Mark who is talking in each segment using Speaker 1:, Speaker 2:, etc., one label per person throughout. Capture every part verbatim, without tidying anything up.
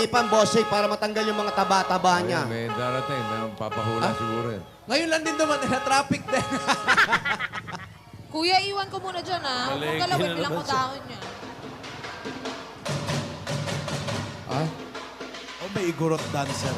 Speaker 1: pan, bossing, para matanggal yung mga taba-taba niya.
Speaker 2: Ayan, may darating. May papahula siguro yan.
Speaker 3: Ngayon lang din naman, na traffic din.
Speaker 4: Kuya, iwan ko muna dyan, ha? Huwag
Speaker 2: Malengke
Speaker 4: mong galawin,
Speaker 2: na
Speaker 4: bilang ko
Speaker 2: naman siya.
Speaker 4: dahon niya.
Speaker 3: Ah?
Speaker 5: Oh, may igorot dancer.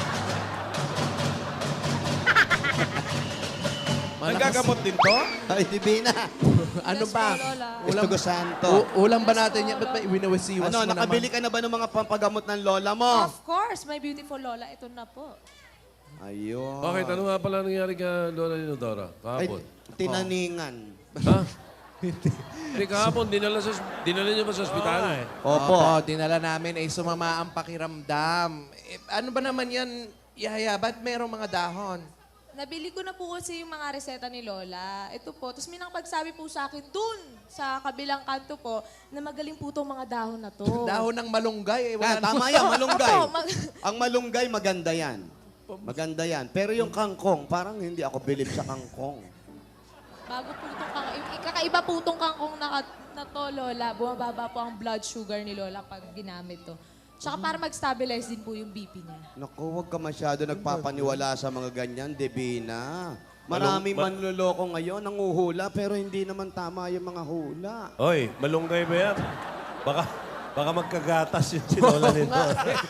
Speaker 5: Nagagamot din to?
Speaker 1: Ay, Divina.
Speaker 3: Ano
Speaker 4: Yes
Speaker 3: ba?
Speaker 4: po, Lola.
Speaker 1: Gusto ko santo.
Speaker 3: U- ulam ba natin yan? Ba't ba iwinawasiwas
Speaker 1: Ano,
Speaker 3: mo
Speaker 1: nakabili
Speaker 3: naman?
Speaker 1: ka na ba ng mga pampagamot ng lola mo?
Speaker 4: Of course, my beautiful Lola. Ito na po.
Speaker 1: Ayun.
Speaker 2: Bakit? Ano nga pala nangyari ka, Lola Ninodora?
Speaker 1: Ay,
Speaker 2: Kahapon?
Speaker 1: tinaningan.
Speaker 2: Ha? Hindi, kahapon, dinala, sa, dinala niyo ba sa ospital?
Speaker 1: Opo.
Speaker 3: Opo, dinala namin ay sumama ang pakiramdam. Eh, ano ba naman yan, Yaya? Ba't merong mga dahon?
Speaker 4: Nabili ko na po kasi yung mga reseta ni Lola. Ito po. Tapos may nakapagsabi po sa akin dun, sa kabilang kanto po, na magaling po itong mga dahon na to.
Speaker 3: Dahon ng malunggay. Eh,
Speaker 1: Ah,
Speaker 3: wala
Speaker 1: tama
Speaker 3: naman-
Speaker 1: yan, malunggay.
Speaker 4: Opo, mag-
Speaker 1: Ang malunggay, maganda yan. Maganda yan. Pero yung kangkong, parang hindi ako believe sa kangkong.
Speaker 4: Bago po itong kangkong. Kakaiba po itong kangkong na, na to, Lola. Bumababa po ang blood sugar ni Lola pag ginamit to. Tsaka para mag-stabilize din po yung B P niya.
Speaker 1: Naku, huwag ka masyado nagpapaniwala sa mga ganyan, Divina. Maraming manluloko ngayon, nanguhula, pero hindi naman tama yung mga hula.
Speaker 6: Oy, malunggay ba yan? Baka, baka magkagatas yung sinola nito.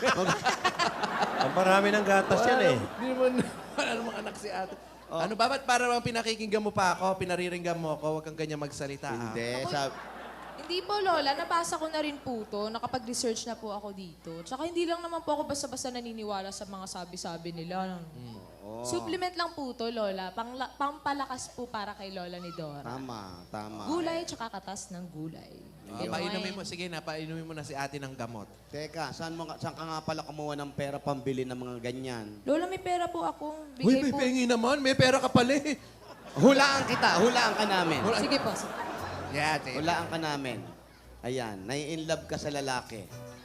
Speaker 6: Ang marami ng gatas yan eh.
Speaker 3: Hindi naman, wala namang anak si ate. Ano ba? Ba't para bang pinakikinggan mo pa ako, pinariringgan mo ako, huwag kang ganyan magsalita. ah?
Speaker 1: Hindi, sab-
Speaker 4: Hindi po, Lola. Nabasa ko na rin po to. Nakapag-research na po ako dito. Tsaka hindi lang naman po ako basta-basta naniniwala sa mga sabi-sabi nila. Supplement lang po to, Lola. Pangla- pampalakas po para kay Lola ni Dora.
Speaker 1: Tama, tama.
Speaker 4: Gulay tsaka katas ng gulay.
Speaker 3: Ah, painumin mo, sige na, painumin mo na si ate ng gamot.
Speaker 1: Teka, saan, mo, nga- saan ka nga pala kumuha ng pera pambili ng mga ganyan?
Speaker 4: Lola, may pera po akong
Speaker 3: Uy,
Speaker 4: bigay
Speaker 3: may
Speaker 4: po.
Speaker 3: pengi naman. May pera ka pala eh.
Speaker 1: Hulaan kita, hulaan ka namin.
Speaker 4: Sige po. sige.
Speaker 3: Yeah, ate.
Speaker 1: Hulaan ka namin. Ayan, nai-inlove ka sa lalaki.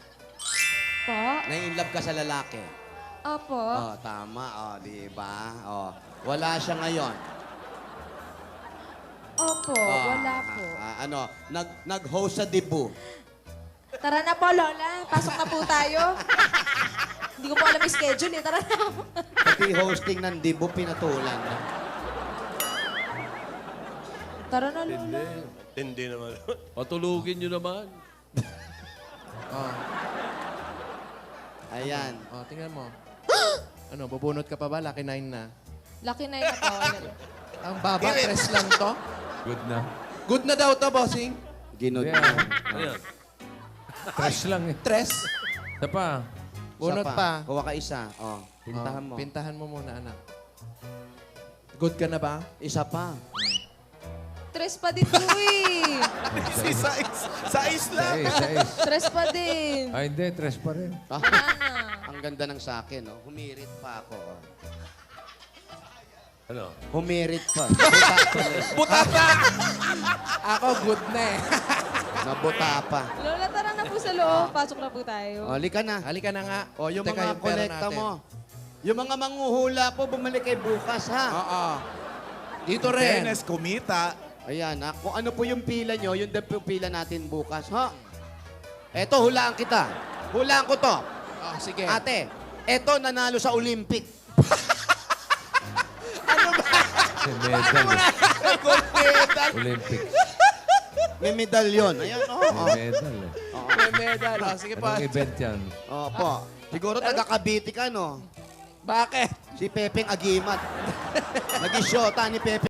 Speaker 4: Po?
Speaker 1: Nai-inlove ka sa lalaki.
Speaker 4: Opo.
Speaker 1: Oh, tama, oh, di ba? Oh, wala siya ngayon.
Speaker 4: Opo,
Speaker 1: Oh,
Speaker 4: wala po.
Speaker 1: ah, ah, ano, nag nag-host sa Dibu.
Speaker 4: Tara na po, Lola. Pasok na po tayo. Hindi ko po alam yung schedule eh. Tara na po.
Speaker 1: Pati hosting ng Dibu pinatulan.
Speaker 4: Tara na, Lola.
Speaker 6: Hindi. Hindi naman.
Speaker 2: Patulugin niyo naman.
Speaker 3: Oh,
Speaker 1: Ayan.
Speaker 3: oh, tingnan mo. Ano, bubunot ka pa ba? Lucky nine na.
Speaker 4: Lucky na yung natawa.
Speaker 3: Ang baba, tres lang to.
Speaker 2: Good na.
Speaker 3: Good na daw to, bossing.
Speaker 1: Ginod
Speaker 2: Yeah.
Speaker 1: mo.
Speaker 6: Ano yan?
Speaker 2: Trash lang eh.
Speaker 3: Tres.
Speaker 2: Isa pa.
Speaker 3: Bunot
Speaker 1: Isa
Speaker 3: pa.
Speaker 1: Kuha ka isa. Oh, pintahan
Speaker 3: Oh,
Speaker 1: mo.
Speaker 3: Pintahan mo muna, anak. Good ka na ba?
Speaker 1: Isa pa.
Speaker 4: Tres pa din po eh.
Speaker 5: Si Sais. Sais
Speaker 2: Sa
Speaker 5: lang.
Speaker 2: is, sa is.
Speaker 4: Tres pa din.
Speaker 2: Ay, hindi. Trash pa rin.
Speaker 1: Ah,
Speaker 4: Wala na.
Speaker 1: ang ganda ng sa akin, oh. Humirit pa ako. Oh.
Speaker 6: Ano?
Speaker 1: Humirit pa. Buta pa rin.
Speaker 3: Ako, good na eh.
Speaker 1: Nabuta pa.
Speaker 4: Lola, tara na po sa loob. Pasok na po tayo.
Speaker 1: O, lika na.
Speaker 3: Halika na nga.
Speaker 1: O, yung
Speaker 3: Teka,
Speaker 1: mga
Speaker 3: pera
Speaker 1: kolekta
Speaker 3: natin.
Speaker 1: mo. Yung mga manghuhula po, bumalik kay bukas, ha?
Speaker 3: Oo. Dito rin.
Speaker 5: Fairness, kumita.
Speaker 1: Ayan, ha? Kung ano po yung pila nyo, yun din po yung pila natin bukas, ha? Eto, hulaan kita. Hulaan ko to.
Speaker 3: Oh, sige.
Speaker 1: Ate, eto nanalo sa Olympic.
Speaker 2: Kasi medal eh.
Speaker 1: Gold medal.
Speaker 2: Olympics.
Speaker 1: May medalyon. Ayan, oo.
Speaker 2: May medal eh.
Speaker 3: May medal. Oh, sige pa.
Speaker 2: Anong event yan?
Speaker 1: Opo. Siguro taga Cavite ka, no?
Speaker 3: Bakit?
Speaker 1: Si Pepeng Agimat. Naging syota ni Pepe